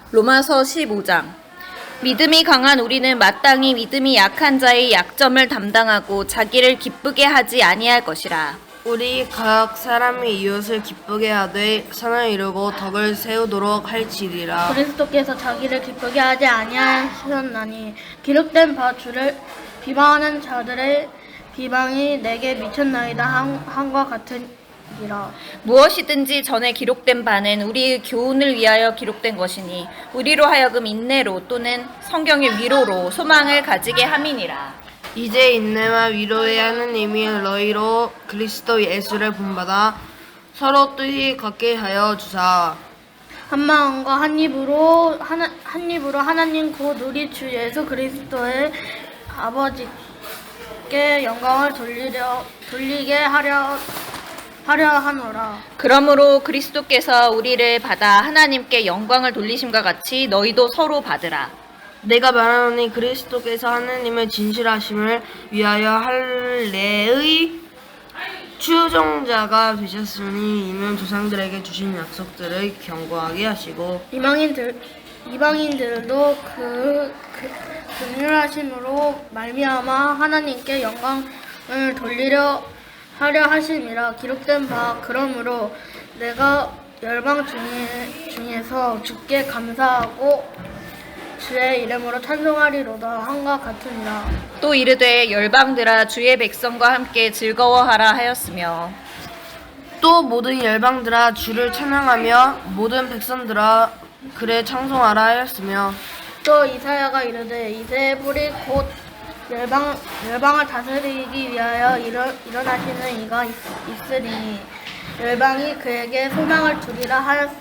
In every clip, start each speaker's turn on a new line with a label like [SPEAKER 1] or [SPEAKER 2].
[SPEAKER 1] 로마서 15장. 믿음이 강한 우리는 마땅히 믿음이 약한 자의 약점을 담당하고 자기를 기쁘게 하지 아니할 것이라.
[SPEAKER 2] 우리 각 사람이 이웃을 기쁘게 하되 선을 이루고 덕을 세우도록 할지니라.
[SPEAKER 3] 그리스도께서 자기를 기쁘게 하지 아니하셨나니 기록된 바 주를 비방하는 자들의 비방이 내게 미쳤나이다 함과 같으니라.
[SPEAKER 1] 무엇이든지 전에 기록된 바는 우리의 교훈을 위하여 기록된 것이니 우리로 하여금 인내로 또는 성경의 위로로 소망을 가지게 함이니라.
[SPEAKER 2] 이제 인내와 위로의 하느님이 너희로 그리스도 예수를 본받아 서로 뜻이 같게 하여 주사.
[SPEAKER 3] 한 마음과 한 입으로 하나님 곧 우리 주 예수 그리스도의 아버지께 영광을 돌리게 하려 하노라.
[SPEAKER 1] 그러므로 그리스도께서 우리를 받아 하나님께 영광을 돌리심과 같이 너희도 서로 받으라.
[SPEAKER 2] 내가 말하노니 그리스도께서 하느님의 진실하심을 위하여 할례의 추종자가 되셨으니 이는 조상들에게 주신 약속들을 견고하게 하시고
[SPEAKER 3] 이방인들도 그 긍휼하심으로 말미암아 하나님께 영광을 돌리려 하려 하심이라. 기록된 바 그러므로 내가 열방 중에서 주께 감사하고 주의 이름으로 찬송하리로다 함과 같으니라.
[SPEAKER 1] 또 이르되 열방들아 주의 백성과 함께 즐거워하라 하였으며
[SPEAKER 2] 또 모든 열방들아 주를 찬양하며 모든 백성들아 그를 찬송하라 하였으며
[SPEAKER 3] 또 이사야가 이르되 이새의 뿌리 곧 열방을 다스리기 위하여 일어나시는 이가 있으리니 열방이 그에게 소망을 두리라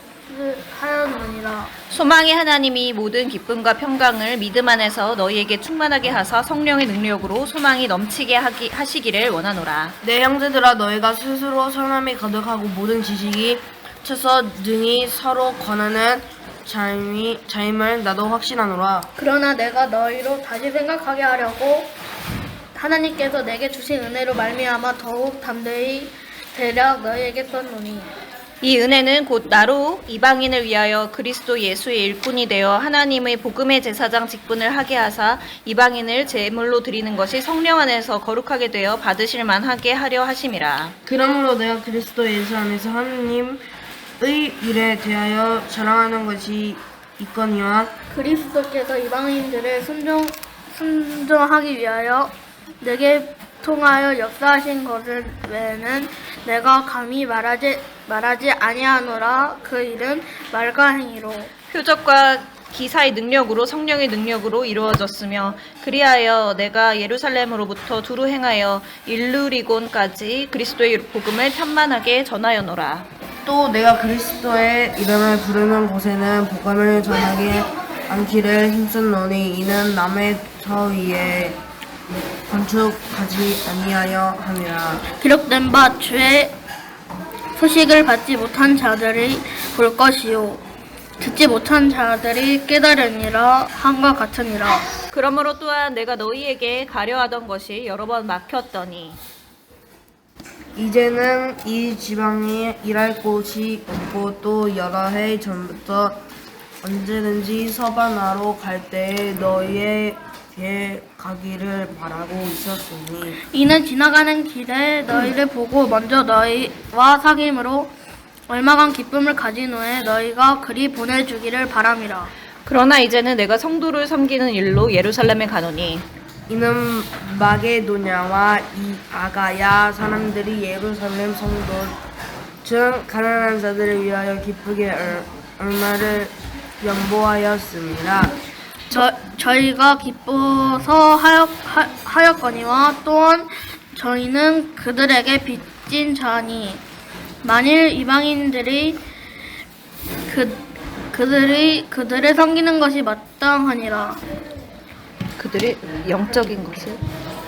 [SPEAKER 3] 하였느니라.
[SPEAKER 1] 소망의 하나님이 모든 기쁨과 평강을 믿음 안에서 너희에게 충만하게 하사 성령의 능력으로 소망이 넘치게 하시기를 원하노라.
[SPEAKER 2] 내 형제들아 너희가 스스로 선함이 가득하고 모든 지식이 쳐서 능히 서로 권하는 자임을 나도 확신하노라.
[SPEAKER 3] 그러나 내가 너희로 다시 생각하게 하려고 하나님께서 내게 주신 은혜로 말미암아 더욱 담대히 대략 너희에게 썼노니
[SPEAKER 1] 이 은혜는 곧 나로 이방인을 위하여 그리스도 예수의 일꾼이 되어 하나님의 복음의 제사장 직분을 하게 하사 이방인을 제물로 드리는 것이 성령 안에서 거룩하게 되어 받으실 만하게 하려 하심이라.
[SPEAKER 2] 그러므로 내가 그리스도 예수 안에서 하느님의 일에 대하여 자랑하는 것이 있거니와
[SPEAKER 3] 그리스도께서 이방인들을 순종하기 위하여 내게 통하여 역사하신 것을 외에는 내가 감히 말하지 아니하노라. 그 일은 말과 행위로
[SPEAKER 1] 표적과 기사의 능력으로 성령의 능력으로 이루어졌으며 그리하여 내가 예루살렘으로부터 두루 행하여 일루리곤까지 그리스도의 복음을 편만하게 전하여노라.
[SPEAKER 2] 또 내가 그리스도의 이름을 부르는 곳에는 복음을 전하지 않기를 힘썼노니 이는 남의 터 위에 건축하지 아니하여 함이라.
[SPEAKER 3] 기록된 바 주의 소식을 받지 못한 자들이 볼 것이요 듣지 못한 자들이 깨달으니라 함과 같으니라.
[SPEAKER 1] 그러므로 또한 내가 너희에게 가려하던 것이 여러 번 막혔더니
[SPEAKER 2] 이제는 이 지방에 일할 곳이 없고 또 여러 해 전부터 언제든지 서바나로 갈 때에 너희에게 가기를 바라고 있었으니
[SPEAKER 3] 이는 지나가는 길에 너희를 보고 먼저 너희와 사귐으로 얼마간 기쁨을 가진 후에 너희가 그리 보내주기를 바람이라.
[SPEAKER 1] 그러나 이제는 내가 성도를 섬기는 일로 예루살렘에 가노니
[SPEAKER 2] 이는 마게도냐와 이 아가야 사람들이 예루살렘 성도 중 가난한 자들을 위하여 기쁘게 얼마를 연보하였습니다.
[SPEAKER 3] 저희가 기뻐서 하였거니와 또한 저희는 그들에게 빚진 자니 만일 이방인들이 그들을 섬기는 것이 마땅하니라.
[SPEAKER 1] 그들의 영적인 것을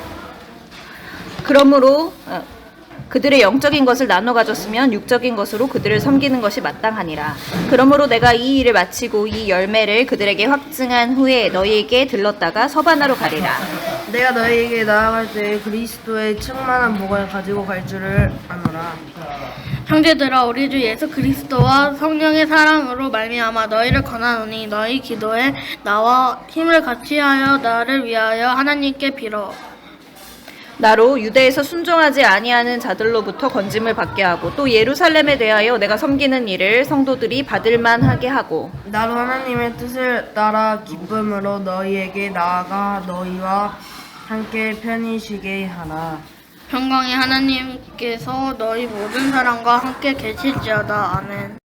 [SPEAKER 1] 그러므로 그들의 영적인 것을 나눠 가졌으면 육적인 것으로 그들을 섬기는 것이 마땅하니라. 그러므로 내가 이 일을 마치고 이 열매를 그들에게 확증한 후에 너희에게 들렀다가 서바나로 가리라.
[SPEAKER 2] 내가 너희에게 나아갈 때 그리스도의 충만한 복을 가지고 갈 줄을 아노라.
[SPEAKER 3] 형제들아 우리 주 예수 그리스도와 성령의 사랑으로 말미암아 너희를 권하노니 너희 기도에 나와 힘을 같이하여 나를 위하여 하나님께 빌어.
[SPEAKER 1] 나로 유대에서 순종하지 아니하는 자들로부터 건짐을 받게 하고 또 예루살렘에 대하여 내가 섬기는 일을 성도들이 받을 만하게 하고
[SPEAKER 2] 나로 하나님의 뜻을 따라 기쁨으로 너희에게 나아가 너희와 함께 편히 쉬게 하라.
[SPEAKER 3] 평강의 하나님께서 너희 모든 사람과 함께 계실지어다. 아멘.